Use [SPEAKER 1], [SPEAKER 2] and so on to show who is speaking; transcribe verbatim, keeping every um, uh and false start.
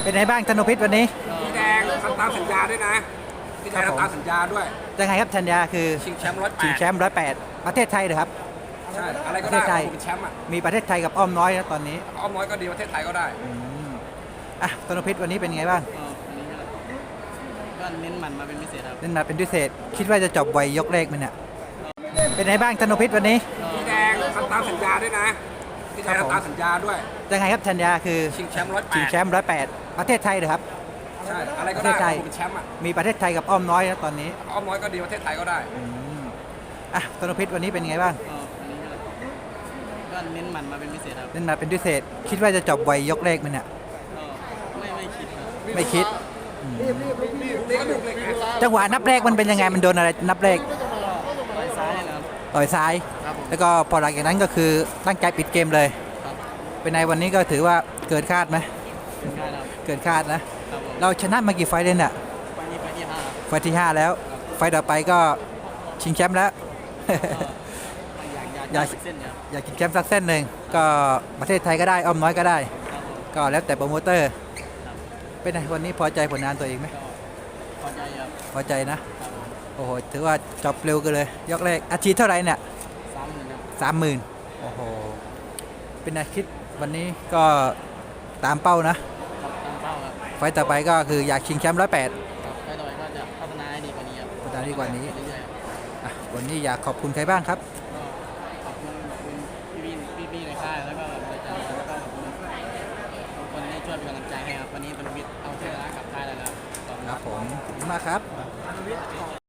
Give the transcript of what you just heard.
[SPEAKER 1] เป็นไงบ้างธนูพิษวันนี้
[SPEAKER 2] พี่แดงทำตามสัญญาด้วยนะพี่แดงทำตามสัญญาด้วย
[SPEAKER 1] ยังไงครับสัญญาคือ
[SPEAKER 2] ชิงแชมป์ร้อยแปด
[SPEAKER 1] ชิงแชมป์ร้อยแปดประเทศไทยเหรอครับ
[SPEAKER 2] ใช่อะไรก็
[SPEAKER 1] ประเทศไท
[SPEAKER 2] ได้
[SPEAKER 1] ย
[SPEAKER 2] เป็นแชมป์อ่ะ
[SPEAKER 1] มีประเทศไทยกับอ้อมน้อยนะตอนนี้
[SPEAKER 2] อ้อมน้อยก็ดีประเทศไทยก็ได้
[SPEAKER 1] อ่ะธนูพิษวันนี้เป็นไงบ้าง
[SPEAKER 3] ก็เน้นหมันมาเป็นพิเศษครับ
[SPEAKER 1] เล่นมาเป็นพิเศษคิดว่าจะจบไวยกเลขมันเนี่ยเป็นไงบ้างธนูพิษวันนี้
[SPEAKER 2] พี่แดงทำตามสัญญาด้วยนะพี่แดงทำตามสัญญาด้วย
[SPEAKER 1] ยังไงครับสัญญาคือ
[SPEAKER 2] ชิงแชมป์ร้อยแปด
[SPEAKER 1] ชิงแชมป์ร้อยแปดประเทศไทยเหรอครับ
[SPEAKER 2] ใช่อะไรก็ได้เป็นแชมป์อ่ะ
[SPEAKER 1] มีประเทศไทยกับอ้อมน้อยนะตอนนี้
[SPEAKER 2] อ้อมน้อยก็ดีประเทศไทยก็ได้
[SPEAKER 1] อ่ะธนูพิษวันนี้เป็นไงบ้าง
[SPEAKER 3] ก็เน้นหมันมาเป็นพิเศษครับ
[SPEAKER 1] เล่นมาเป็นพิเศษคิดว่าจะจบไวยกเลขมันเนี่ย
[SPEAKER 3] ไม่ไม่คิดครับ
[SPEAKER 1] ไม่คิด
[SPEAKER 2] นี่ก็ดูเลยนะ
[SPEAKER 1] จังหวะนับเลขมันเป็นยังไงมันโดนอะไรนับเลข
[SPEAKER 3] ต่อยซ้ายนะครับ
[SPEAKER 1] ต่อยซ้ายแล้วก็พอหลังจากนั้นก็คือตั้งใจปิดเกมเลยเป็นไงวันนี้ก็ถือว่าเกินคาดไหมเกินคาดนะเราชนะมากี่ไฟล์เลยเนี่ย
[SPEAKER 3] ไฟนี้ไฟที่ห้า
[SPEAKER 1] ไฟล์ที่ห้าแล้วไฟล์ต่อไปก็ชิงแชมป์แล้ว
[SPEAKER 3] อยากอยากเส้นครับ
[SPEAKER 1] อยากชิงแชมป์สักเส้นหนึ่งก็ประเทศไทยก็ได้อ้อมน้อยก็ได้ก็แล้วแต่โปรโมเตอร์เป็นไงวันนี้พอใจผลงานตัวเองไหม
[SPEAKER 3] พอใจครับ
[SPEAKER 1] พอใจนะโอ้โหถือว่าจบเร็วกันเลยยกแรกอาชีพเท่าไหร่เนี่ย
[SPEAKER 3] สามหมื่นครับ
[SPEAKER 1] สามหมื่นโอ้โหเป็นไงคิดวันนี้ก็ตามเป้านะ
[SPEAKER 3] ตามเป้าครับ
[SPEAKER 1] ไฟต่อไปก็คืออยากชิงแชมป์ร้อยแปด
[SPEAKER 3] ไฟต่อไปก็จะพัฒนาให้ดีกว่านี้ครับ
[SPEAKER 1] พัฒนาดีกว่านี้
[SPEAKER 3] เรื่อย
[SPEAKER 1] ๆวันนี้อยากขอบคุณใครบ้างครับ
[SPEAKER 3] ขอบคุณขอบคุณพี่พี่พี่ในค่ายแล้วก็บริษัทแล้วก็ขอบคุณทุกคนที่ช่วยเป็นกำลังใจให้ครับวันนี้เป็นวิทย์เอาชนะกับค่ายแล้วครับ
[SPEAKER 1] ครับผมขอบคุณมากครับ